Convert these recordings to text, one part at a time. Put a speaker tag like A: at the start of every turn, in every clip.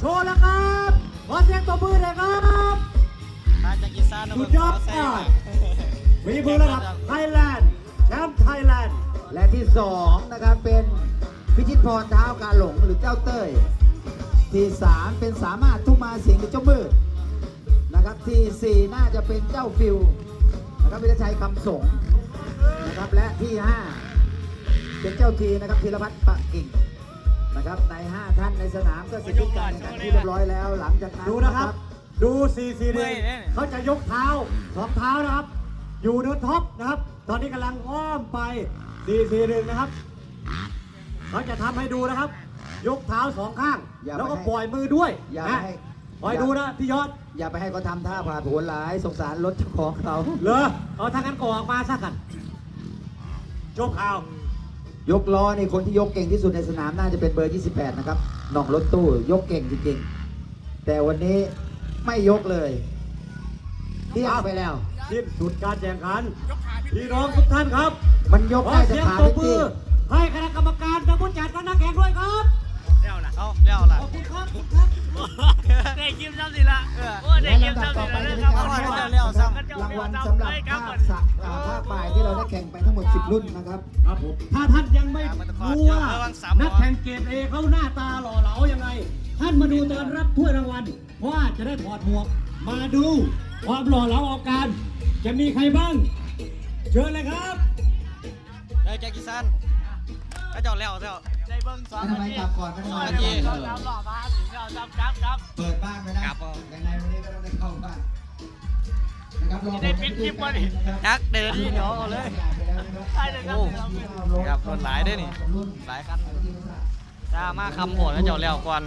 A: โชว์แล้วครับขอเสียงตบมือเลยครับ
B: มาจากอีสาน
A: สุดยอดฝีมือระดับไทยแลนด์แชมป์ไทยแลนด์
C: และที่2นะครับเป็นพิชิตพรเท้ากาหลงหรือเจ้าเต้ยที่3เป็นสามารถทุ่มมาเสียงหรือเจ้ามืดนะครับที่4น่าจะเป็นเจ้าฟิวนะครับวิทยาชัยคำสงนะครับและที่5เป็นเจ้าทีนะครับธีรพัฒน์ปะกิ่งนะครับใน5ท่านในสนามก็เสร็จสิ้นการแข่งขันที่เรียบร้อยแล้วหลังจากนั้น
A: ดูนะครับดู4-4-1เขาจะยกเท้า2 เท้านะครับอยู่เนื้อท็อปนะครับตอนนี้กำลังอ้อมไป4-4-1นะครับเขาจะทำให้ดูนะครับยกเท้า2 ข้างแล้วก็ปล่อยมือด้วยนะคอยดูนะพี่ยอด
C: อย่าไปให้เขาทำท่าผ่าผลหลายสงสารรถเจ้าของเขา
A: เหรอเอาทางนั้นก็ออกมาซะกันยกเท้าย
C: กล้อนี่คนที่ยกเก่งที่สุดในสนามน่าจะเป็นเบอร์ 28 นะครับหน่องรถตู้ยกเก่งจริงๆแต่วันนี้ไม่ยกเลยเที่ยงไปแล้ว
A: สิ้นสุดการแข่งขันพี่น้องทุกท่านครับ
C: มันยก
A: ขอ
C: ได้แต่
A: เสียง
C: ขา
A: ตบ
C: ไม่
A: มื
C: ตี
A: อให้คณะกรรมการและผู้จัดและนักแข่งด้วยครับ
B: เลี้ยวละเอาเลี้ยวละ
A: ขอบคุณครับทุกท่าน
D: ได้กิมซ้ำสิละโอ้ได้
C: และ
D: กิม
C: ลำดับ
D: ซ้ำ
C: ต่
D: สิ
C: อไป
D: ละ
C: จะ
D: เรื่อ
C: เป็
D: ง
C: น
D: ค
C: การ
D: รับ
C: มอบรางวัลสำหรับภาคฝ่ายที่เราได้แข่งไปทั้งหมด 10 รุ่นนะครับ
A: ครับผมถ้าท่านยังไม่รู้ว่านักแข่งเกรดเอเขาหน้าตาหล่อเหลายังไง ท่านมาดูตอนรับถ้วยรางวัลว่าจะได้ถอดหมวกมาดูความหล่อเหลาเอาการจะมีใครบ้างเชิญเลยครับ
B: ได้จากอีสานก็เจ้าเลี้ยวเจ้า
D: ได้เบิ้งสอง
C: ทำไมกลับก่อนไม่ได้
B: นาที
D: เราจำหล่อมาถึงเราจำครับ
C: เปิดบ้านไปนะยังไงวันนี้ก็ต้องได้เข้าบ้านนะครับรอ
D: ได้ปิดคลิปวะนี่
B: ยักษ์เดินที่เดี๋ยวเอาเลย
D: ใช่เลยครับ
B: ครับรถหลายด้วยนี่หลายคันจ้ามาคำโหดแล้วเจ้าเลี้ยวก่อน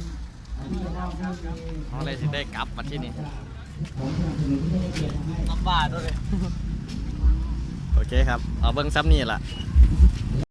B: เอาเลยสิได้กลับมาที่นี่ลำบากด้วยโอเคครับเอาเบิ้งซ้ำนี่ล่ะ